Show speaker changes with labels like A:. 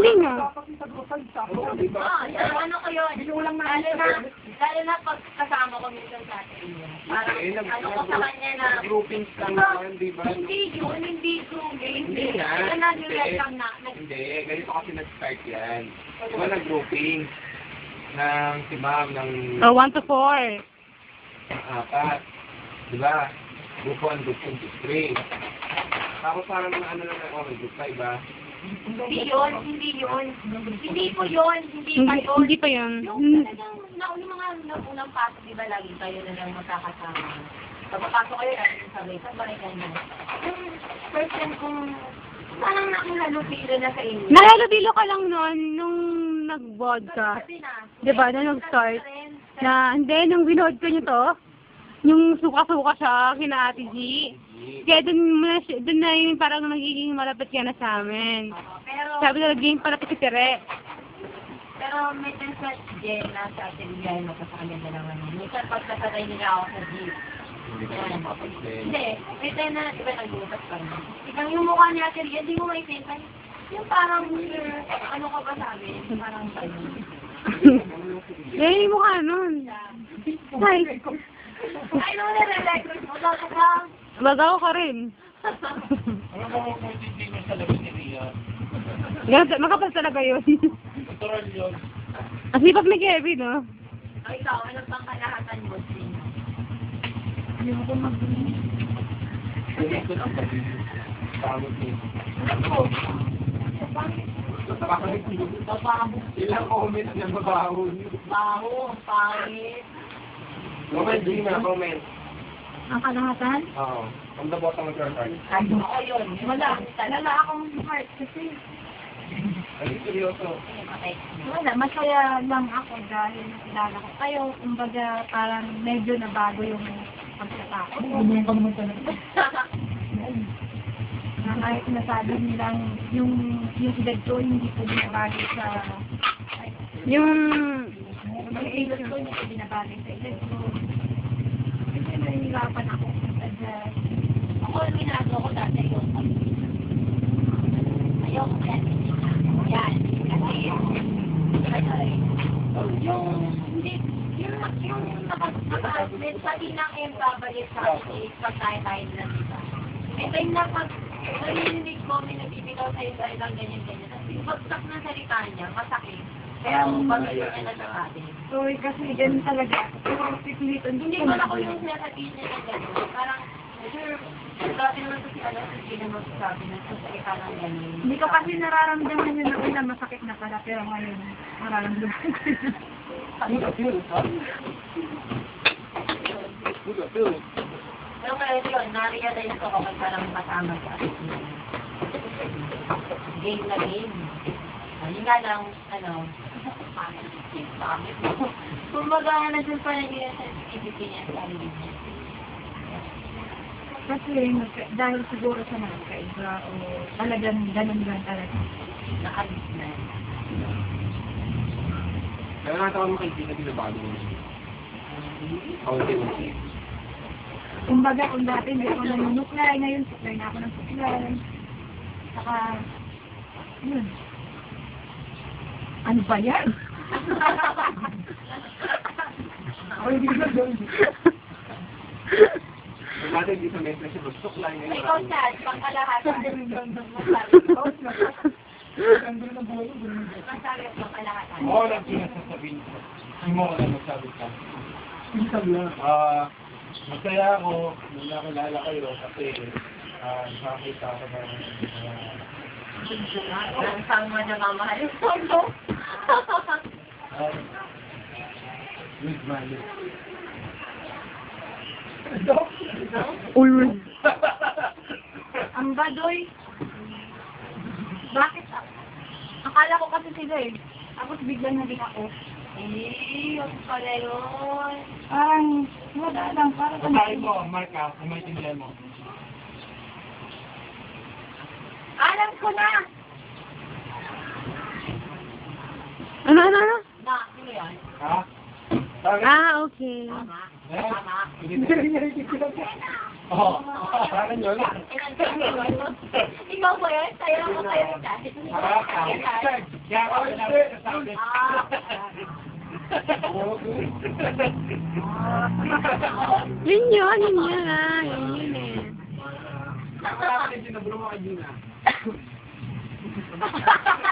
A: Hindi nga.
B: Ano kayo? Lalo na pag kasama ko minsan sa atin. Parang ano ko sa kanya na
C: groupings lang, di ba?
B: hindi yun.
C: Hindi nga. Hindi, ganito kasi nag-start yan. Diba nag-grouping ng si ma'am ng
A: 1 to 4.
C: apat. Diba? Group 1, group 2, group 3. Tapos parang ano lang okay, group 5 ba?
B: Hindi yun. Hindi po yun. Hindi pa yun.
A: Hindi pa yun.
B: Yung talagang naunang pasok, di ba lagi kayo na lang magkakasama. Pagpapasok kayo, sabay ganyan. Yung first time kong parang nakihalubilo na sa inyo.
A: Nalalabilo ka lang noon nung nag-vodka. Diba? Nung nag-start. Hindi, nung binood ko nyo to, yung suka-suka siya, kina Ate G. Kaya dun na yung parang nagiging malapit ka na sa amin.
B: Pero,
A: Sabi na naging palapit si Tere.
B: pero may times na si Jen na sa atin bigay mo sa kanya dalawa na. Minsan pag nasatay nila ako sa jeep.
C: Hindi ka naman mapapansin.
B: Hindi, may time na iba nag-utas pa rin. Ikaw yung mukha ni Ate Rian, hindi mo maitintan. Yung parang, ano ka ba sabi? Parang ano.
A: Eh, yung mukha nun. Ay,
B: Ay, no, nare-record mo. Dapat lang.
A: bagaw ka rin.
C: Alam mo kung hindi mo sa labas ni Rian.
A: Makapal talaga yun.
C: Natural yun.
A: Ang sipag ni Kevin, no?
B: O ikaw, ano pang kalahatan mo?
C: Ganito lang kasi. Pagod niya. Ilang comments na mabaho niyo.
B: Baho, pangit.
C: Comment, Gina, comment.
B: Ang kalahatan?
C: Oo. From the bottom of your heart.
B: Ako yun. Wala akong heart kasi.
C: Ano seryoso?
B: Wala, masaya lang ako dahil nakilala ko kayo. Kumbaga, parang medyo nabago yung pagkatao.
C: Bumili pa naman talaga.
B: Na kahit nasabi nilang yung edad ko, hindi po binabago sa...
A: Yung...
B: Yung edad ko, hindi po binabago sa edad ko. Kasi nahihirapan ako sa ako, ang ginagawa ko dati yung ayoko yan. Yan. Kasi yung nakasbit pati na kayong babalik sa akin pag tayo na dito. May time na pag narinig mo, may nagbibitaw sa'yo dahil lang ganyan-ganyan. Kasi bagsak ng salita niya, masakit. Kaya babalik niya na sa atin.
D: So, kasi ganun talaga. Pero pipilitan.
B: Hindi ko na ko yung sinasabihin niya na gano'n. Parang, sure, dati naman kasi alam ko hindi naman sabi na sasakit ka ng gano'n.
D: Hindi ko kasi nararamdaman yun na una masakit na pala. Pero ngayon, nararamdaman ko yun.
B: Pero kaya yun, na-realize ko kapag parang kasama sa atin. Game na game. Yun nga lang, pangit mo. Kumbaga, nandun pa rin yung sensitivity niya sa sarili niya.
D: Kasi dahil siguro sa nakakaiba o talagang ganun lang talaga.
B: Nakalis na.
C: Kaya nakatawa mo kay Gina, binabago mo siya. Okay.
D: Kumbaga, kung dati hindi ako nanunuklay, ngayon suklay na ako ng suklay. Saka, yun. Ano ba yan?
C: Ako hindi na doon. Kung dati hindi sa mesa siya, gusto ko lang
B: May kausad, pangkalahatan. Masabi ang pangkalahatan.
C: Oo, lang sinasasabihin ko. Hindi mo wala magsabi ka. Isang lang. Masaya ako nung nakilala kayo kasi nakakita ako ng
B: Saan mo na mamahal yung photo?
C: with money.
A: Uy.
D: Ang badoy. Bakit? Akala ko kasi sila eh. Tapos biglang naging ako.
B: Yung pala yun.
D: Parang, wala lang. Parang
C: Sabi mo, Mark, kung may tindihan mo.
B: Alam ko na!
A: Ano?
B: Na, sino yan?
C: Ha? Sabi?
A: Ah, okay.
B: Tama.
C: Eh?
B: Tama.
C: Hindi. Oo. Sa akin yun.
B: Ikaw po yun? Sa'yo lang ako sa'yo kahit.
C: Kaya ako hindi. Sabi.
A: Yun yun ah. Yun eh.
C: Nakakapit din na bro mo kay Gina.